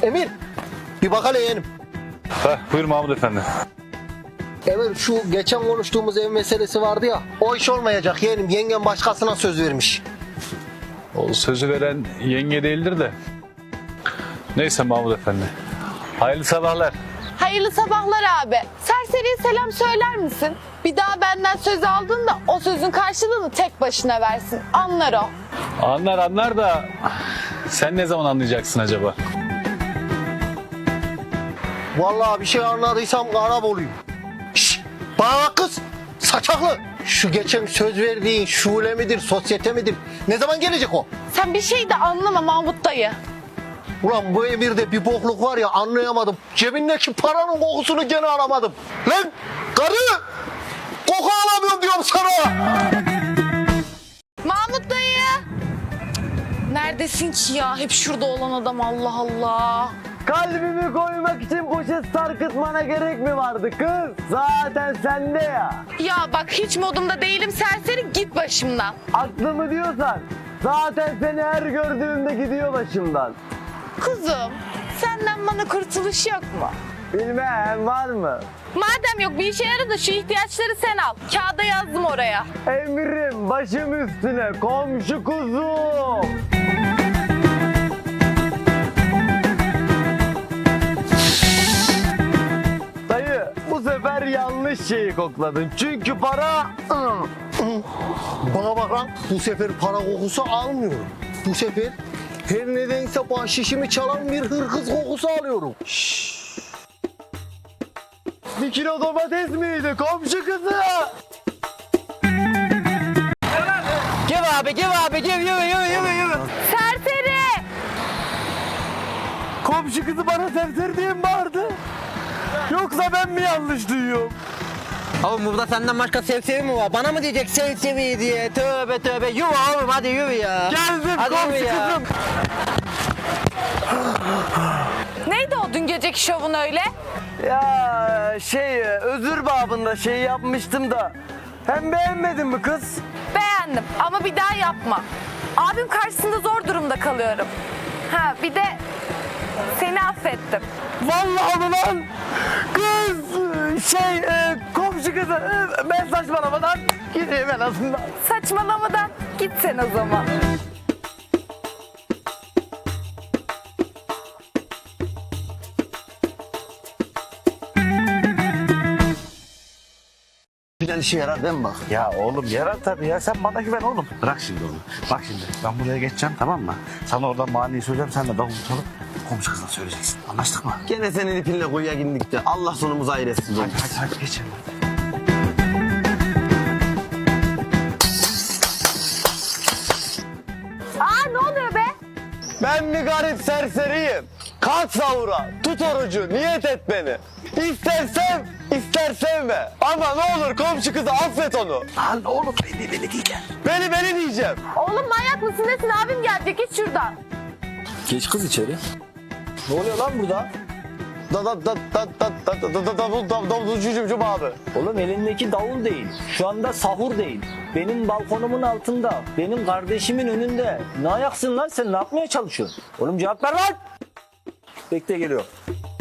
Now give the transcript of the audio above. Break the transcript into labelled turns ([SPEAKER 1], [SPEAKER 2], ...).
[SPEAKER 1] Emir, bir bak hele yeğenim.
[SPEAKER 2] Buyur Mahmut Efendi.
[SPEAKER 1] Emir, şu geçen konuştuğumuz ev meselesi vardı ya, o iş olmayacak yeğenim. Yengem başkasına söz vermiş.
[SPEAKER 2] O sözü veren yenge değildir de. Neyse Mahmut Efendi. Hayırlı sabahlar.
[SPEAKER 3] Hayırlı sabahlar abi. Serseriye selam söyler misin? Bir daha benden söz aldığında o sözün karşılığını tek başına versin. Anlar o.
[SPEAKER 2] Anlar da sen ne zaman anlayacaksın acaba?
[SPEAKER 1] Vallahi bir şey anladıysam Karaboluyum. Şşş, bana bak kız, saçaklı. Şu geçen söz verdiğin şule midir, sosyete midir? Ne zaman gelecek o?
[SPEAKER 3] Sen bir şey de anlama Mahmut dayı.
[SPEAKER 1] Ulan bu emirde bir bokluk var ya, anlayamadım. Cebindeki paranın kokusunu gene alamadım. Lan karı! Koku alamıyorum diyorum sana!
[SPEAKER 3] Mahmut dayı! Neredesin ki ya? Hep şurada olan adam, Allah Allah.
[SPEAKER 4] Kalbimi koymak için poşet sarkıtmana gerek mi vardı kız? Zaten sende ya.
[SPEAKER 3] Ya bak hiç modumda değilim serseri, git başımdan.
[SPEAKER 4] Aklımı diyorsan zaten seni her gördüğümde gidiyor başımdan.
[SPEAKER 3] Kuzum, senden bana kurtuluş yok mu?
[SPEAKER 4] Bilmem var mı?
[SPEAKER 3] Madem yok, bir işe yarar da şu ihtiyaçları sen al. Kağıda yazdım oraya.
[SPEAKER 4] Emrim başım üstüne komşu kuzum. Dayı bu sefer yanlış şeyi kokladın. Çünkü para...
[SPEAKER 1] Bana bak lan, bu sefer para kokusu almıyorum. Bu sefer her nedense bahşişimi çalan bir hırkız kokusu alıyorum.
[SPEAKER 4] Bir kilo domates miydi komşu kızı? Gel abi gel yürü.
[SPEAKER 3] Serseri!
[SPEAKER 4] Komşu kızı bana serseri diye mi bağırdı? Yoksa ben mi yanlış duyuyorum?
[SPEAKER 5] Oğlum burada senden başka sevsevi mi var? Bana mı diyecek sevsevi diye? Tövbe tövbe. Yürü oğlum hadi yürü ya.
[SPEAKER 4] Geldim
[SPEAKER 5] Hadi
[SPEAKER 4] komşu
[SPEAKER 5] yürü ya.
[SPEAKER 4] kızım.
[SPEAKER 3] Neydi o dün geceki şovun öyle?
[SPEAKER 4] Ya özür babında şey yapmıştım da. Hem beğenmedin mi kız?
[SPEAKER 3] Beğendim ama bir daha yapma. Abim karşısında zor durumda kalıyorum. Ha bir de seni affettim.
[SPEAKER 4] Vallahi mı lan? Kız komşu kızı ben saçmalamadan gideyim en azından.
[SPEAKER 3] Saçmalamadan git sen o zaman.
[SPEAKER 1] Güzel işe yarar değil mi bak?
[SPEAKER 6] Ya oğlum yarar tabii ya. Sen bana güven oğlum. Bırak şimdi onu. Bak şimdi ben buraya geçeceğim tamam mı? Sana oradan maniyi söyleyeceğim. Sen de davul çalıp komşu kızına söyleyeceksin. Anlaştık mı?
[SPEAKER 5] Gene senin ipinle kuyuya girdik de Allah sonumuzu hayır etsin.
[SPEAKER 6] Hadi geçelim.
[SPEAKER 3] Aa ne oluyor be?
[SPEAKER 4] Ben mi garip serseriyim? Kalk sahura, tut orucu, niyet et beni. İster sev, ister sevme. Ama ne olur komşu kızı affet onu.
[SPEAKER 6] Lan oğlum beni diyeceğim.
[SPEAKER 4] Beni diyeceğim.
[SPEAKER 3] Oğlum manyak mısın nesin, abim gelecek, git şuradan.
[SPEAKER 1] Geç kız içeri. Ne oluyor lan burada?
[SPEAKER 4] Davulcum abi.
[SPEAKER 7] Oğlum elindeki davul değil. Şu anda sahur değil. Benim balkonumun altında. Benim kardeşimin önünde. Ne ayaksın lan sen? Ne yapmaya çalışıyorsun? Oğlum cevap ver lan. Bekle geliyor.